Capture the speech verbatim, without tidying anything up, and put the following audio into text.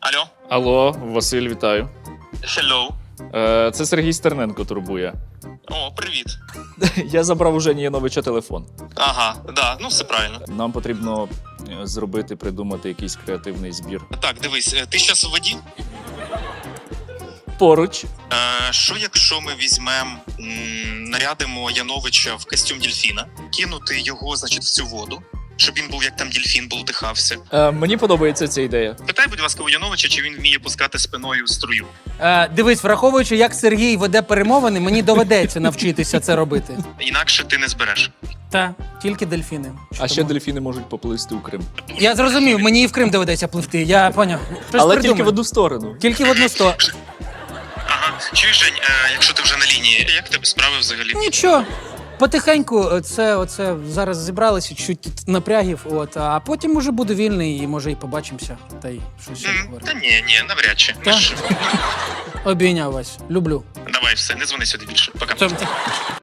Алло? Алло, Василь, вітаю. Hello. Е, Це Сергій Стерненко турбує. О, привіт. Я забрав у Жені Яновича телефон. Ага, да, ну все правильно. Нам потрібно е, зробити, придумати якийсь креативний збір. Так, дивись, е, ти зараз у воді? Поруч. Е, що якщо ми візьмемо, нарядимо Яновича в костюм дельфіна, кинути його, значить, в цю воду, щоб він був як там дельфін, болтихався. Е, мені подобається ця ідея. Питай, будь ласка, у Яновича, чи він вміє пускати спиною струю. Е, дивись, враховуючи, як Сергій веде перемовини, мені доведеться навчитися це робити. Інакше ти не збереш. Та, тільки дельфіни. А ще дельфіни можуть поплисти у Крим. Я зрозумів, мені і в Крим доведеться пливти, я поняв. Щось Але придумаю. тільки в одну сторону. Тільки в одну сто. Ага, чуєш, Жень, е, якщо ти вже на лінії, як в тебе справи взагалі? Нічого. Потихеньку це оце зараз зібралися, чуть тут напрягів, от, а потім уже буду вільний і може і побачимося. Та й щось ще М, Та поговоримо. ні, ні, навряд чи. Ми Та? ж- Обійняв вас. Люблю. Давай, все, не дзвони сюди більше. Пока. Це-